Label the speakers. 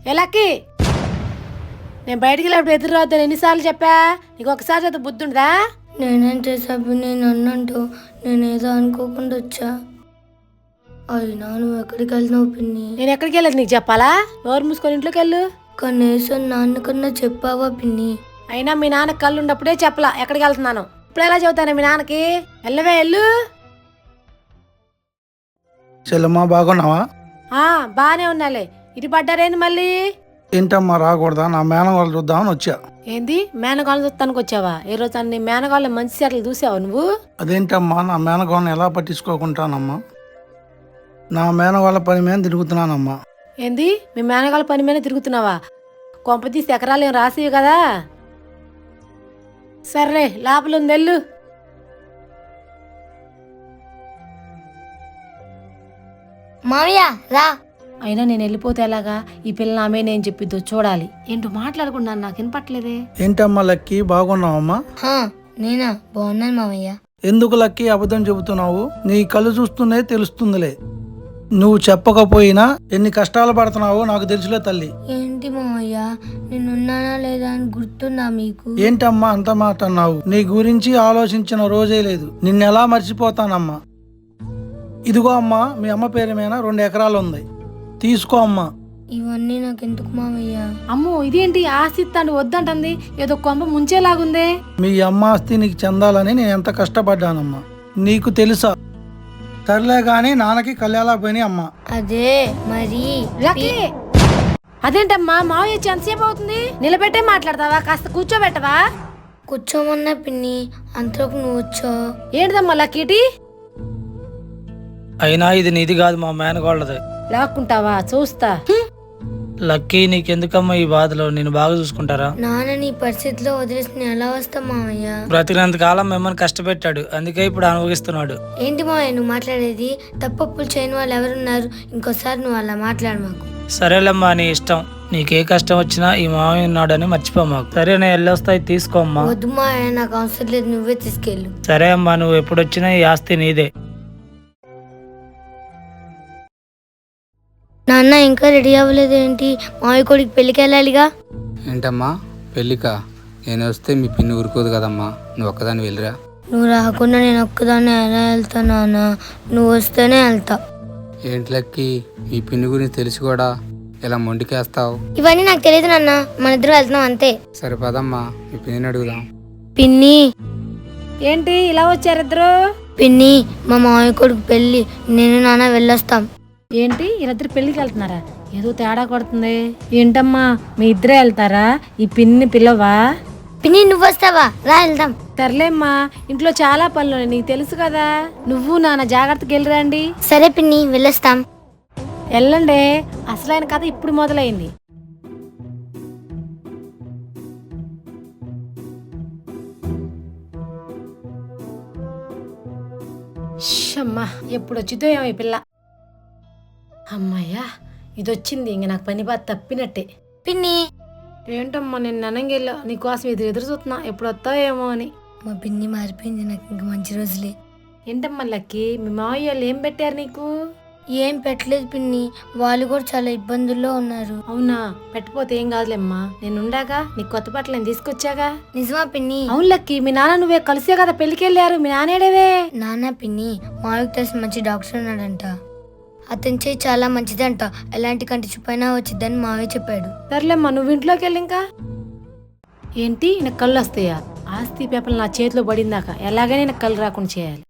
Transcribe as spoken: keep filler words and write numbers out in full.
Speaker 1: ఎలాకి నేను బయటికి వెళ్ళినప్పుడు ఎదురు రావద్దని ఎన్నిసార్లు చెప్పా? నీకు ఒకసారి చదువు బుద్ధి ఉందా?
Speaker 2: నేనేం చేసా పిన్ని? అన్నంటూ నేనేదో అనుకోకుండా వచ్చా. అయినా నువ్వు ఎక్కడికి వెళ్తున్నావు పిన్ని?
Speaker 1: నేను ఎక్కడికి వెళ్ళదు నీకు చెప్పాలా? నోరు మూసుకొని ఇంట్లోకి వెళ్ళు.
Speaker 2: కనీసం నాన్నకన్నా చెప్పావా పిన్ని?
Speaker 1: అయినా మీ నాన్న కళ్ళు ఉన్నప్పుడే చెప్పలా ఎక్కడికి వెళ్తున్నాను. ఇప్పుడు ఎలా చెబుతాను మీ నాన్నకి? వెళ్ళవే వెళ్ళు.
Speaker 3: చెల్లమ్మా బాగున్నావా?
Speaker 1: ఆ బానే ఉన్నాలే. ఇటు పడ్డారేంది మళ్ళీ?
Speaker 3: ఏంటమ్మా రాకూడదా? నా మేనం వాళ్ళు చూద్దామని వచ్చా.
Speaker 1: ఏంది మేనగాళ్ళని చూస్తానికి వచ్చావా? ఏ రోజు అన్ని మేనగాళ్ళ మంచి సెట్లు చూసావు నువ్వు?
Speaker 3: అదేంటమ్మా నా మేనగోళ్ళని ఎలా పట్టించుకోకుంటానమ్మా? నా మేనగోళ్ళ పని మీద తిరుగుతున్నానమ్మా.
Speaker 1: ఏంది మీ మేనగాళ్ళ పని మీద తిరుగుతున్నావా? కొంపతీసి ఎకరాలు ఏం రాసివి కదా. సర్లే లోపల ఉంది వెళ్ళు.
Speaker 2: మామయ్య రా.
Speaker 1: అయినా నేను వెళ్ళిపోతే ఎలాగా? ఈ పిల్ల ఆమె నేను చెప్పిద్దో చూడాలి. ఏంటో మాట్లాడకుండా నాకు వినపట్లేదే.
Speaker 3: ఏంటమ్మా లక్కీ బాగున్నావమ్మా?
Speaker 2: హా, నేనా బాగున్నాను మామయ్య.
Speaker 3: ఎందుకు లక్కీ అబద్ధం చెబుతున్నావు? నీ కళ్ళు చూస్తూనే తెలుస్తుందిలే. నువ్వు చెప్పకపోయినా ఎన్ని కష్టాలు పడుతున్నావో నాకు తెలుసులే తల్లి.
Speaker 2: ఏంటి మామయ్య, నేనున్నానా లేదా అని గుర్తుందా మీకు?
Speaker 3: ఏంటమ్మా అంత మాట అన్నావు? నీ గురించి ఆలోచించిన రోజే లేదు. నిన్నెలా మర్చిపోతానమ్మా? ఇదిగో అమ్మా, మీ అమ్మ పేరు మీద రెండు ఎకరాలు ఉంది, తీసుకో అమ్మా.
Speaker 2: ఇవన్నీ నాకెందుకు మామయ్య?
Speaker 1: అమ్మో ఇదేంటి ఆస్తి ఇస్తాను వద్దంటుంది? ఏదో కొంప ముంచేలాగుందే.
Speaker 3: మీ అమ్మ ఆస్తి నీకు చెందాలని నేను ఎంత కష్టపడ్డానమ్మా, నీకు తెలుసా? సర్లే గాని నాన్నకి కళ్యాణా పోయినాయి అమ్మా.
Speaker 2: అదే మరి
Speaker 1: లక్కీ అదేంటమ్మా మావయ్య వచ్చి ఎంతసేపు అవుతుంది? నిలబెట్టే మాట్లాడతావా? కాస్త కూర్చోబెట్టవా?
Speaker 2: కూర్చోమన్నా పిన్ని, అంతలోపు నువ్వు వచ్చావు.
Speaker 1: ఏంటిదమ్మా లక్కీటి?
Speaker 4: అయినా ఇది నీది కాదు, మా మేనగోళ్ళది.
Speaker 1: లాక్కుంటావా? చూస్తా.
Speaker 4: లక్కీ నీకెందుకమ్మా ఈ బాధలో? నేను బాగా చూసుకుంటారా?
Speaker 2: నాన్న నీ పరిస్థితిలో వదిలేసి నేను ఎలా వస్తా మామయ్య?
Speaker 4: బ్రతికినంత కాలం మిమ్మల్ని కష్టపెట్టాడు, అందుకే ఇప్పుడు అనుభవిస్తున్నాడు.
Speaker 2: ఏంటి మామయ్య నువ్వు మాట్లాడేది? తప్పప్పులు చేయని వాళ్ళు ఎవరున్నారు? ఇంకోసారి నువ్వు అలా మాట్లాడు మాకు.
Speaker 4: సరేలేమ్మా నీ ఇష్టం. నీకే కష్టం వచ్చినా ఈ మామయ్య ఉన్నాడని మర్చిపో మాకు. సరే నేను వెళ్ళొస్తాయి, తీసుకోమ్మా.
Speaker 2: వద్దు మామయ్య, నాకు అవసరం లేదు, నువ్వే తీసుకెళ్ళు.
Speaker 4: సరే అమ్మా, నువ్వు ఎప్పుడు వచ్చినా ఈ ఆస్తి నీదే.
Speaker 2: నాన్న ఇంకా రెడీ అవ్వలేదు ఏంటి? మామయ్య కొడుకు పెళ్ళికి వెళ్ళాలిగా.
Speaker 5: ఏంటమ్మా పెళ్ళికా? నేను వస్తే మీ పిన్ని ఊరుకోదు కదమ్మా, నువ్వు ఒక్కదాన్ని వెళ్ళిరా.
Speaker 2: నువ్వు రాకుండా నేను ఒక్కదాన్ని ఎలా వెళ్తా నాన్న? నువ్వు వస్తేనే వెళ్తా.
Speaker 5: ఏంటి లక్కి, మీ పిన్ని గురించి తెలిసి కూడా ఇలా మొండికేస్తావు?
Speaker 2: ఇవన్నీ నాకు తెలియదు నాన్న, మన ఇద్దరు వెళ్తున్నాం అంతే.
Speaker 5: సరే పదమ్మా, మీ పిన్నిని అడుగుదాం.
Speaker 2: పిన్ని
Speaker 1: ఏంటి ఇలా వచ్చారిద్దరు?
Speaker 2: పిన్ని మా మామయ్య కొడుకు పెళ్ళి, నేను నాన్న వెళ్ళొస్తాం.
Speaker 1: ఏంటి వీళ్ళిద్దరు పెళ్లికి వెళ్తున్నారా? ఏదో తేడా కొడుతుంది. ఏంటమ్మా మీ ఇద్దరే వెళ్తారా? ఈ పిన్ని పిల్లవా?
Speaker 2: పిన్ని నువ్వు వస్తావా? రా వెళ్దాం.
Speaker 1: సర్లేమ్మా, ఇంట్లో చాలా పనులు ఉన్నాయి, నీకు తెలుసు కదా. నువ్వు నాన్న జాగ్రత్తగా వెళ్ళిరండి.
Speaker 2: సరే పిన్ని వెళ్ళొస్తాం.
Speaker 1: వెళ్ళండి. అసలైన కథ ఇప్పుడు మొదలైంది. అమ్మా ఎప్పుడు వచ్చిందో ఏమో ఈ పిల్ల. అమ్మయ్యా ఇది వచ్చింది, ఇంక నాకు పని బాధ తప్పినట్టే.
Speaker 2: పిన్ని
Speaker 1: ఏంటమ్మా నేను ననంగెళ్ళా నీకోసం ఎదురు ఎదురు చూస్తున్నా, ఎప్పుడు వస్తావు ఏమో అని.
Speaker 2: మా పిన్ని మారిపోయింది, నాకు ఇంక మంచి రోజులే.
Speaker 1: ఏంటమ్మా లక్కీ మీ మావయ్య వాళ్ళు ఏం పెట్టారు నీకు?
Speaker 2: ఏం పెట్టలేదు పిన్ని, వాళ్ళు కూడా చాలా ఇబ్బందుల్లో ఉన్నారు.
Speaker 1: అవునా? పెట్టపోతే ఏం కాదులేమ్మా, నేను ఉండాగా, నీకు కొత్త బట్టలు నేను తీసుకొచ్చాగా.
Speaker 2: నిజమా పిన్ని?
Speaker 1: అవును లక్కీ, మీ నాన్న నువ్వే కలిసే కదా పెళ్లికి వెళ్ళారు. మీ నానేడవే?
Speaker 2: నాన్న పిన్ని మావికి తెలిసిన మంచి డాక్టర్ ఉన్నాడంట, అతని చేయి చాలా మంచిదంట, ఎలాంటి కంటి చూపైనా వచ్చిద్దని మావే చెప్పాడు.
Speaker 1: సర్లేమ్మా నువ్వు ఇంట్లోకి వెళ్ళి. ఇంకా ఏంటి నాకు కళ్ళు వస్తాయా? ఆస్తి పేపర్లు నా చేతిలో పడిందాక ఎలాగైనా నాకు కళ్ళు రాకుండా చేయాలి.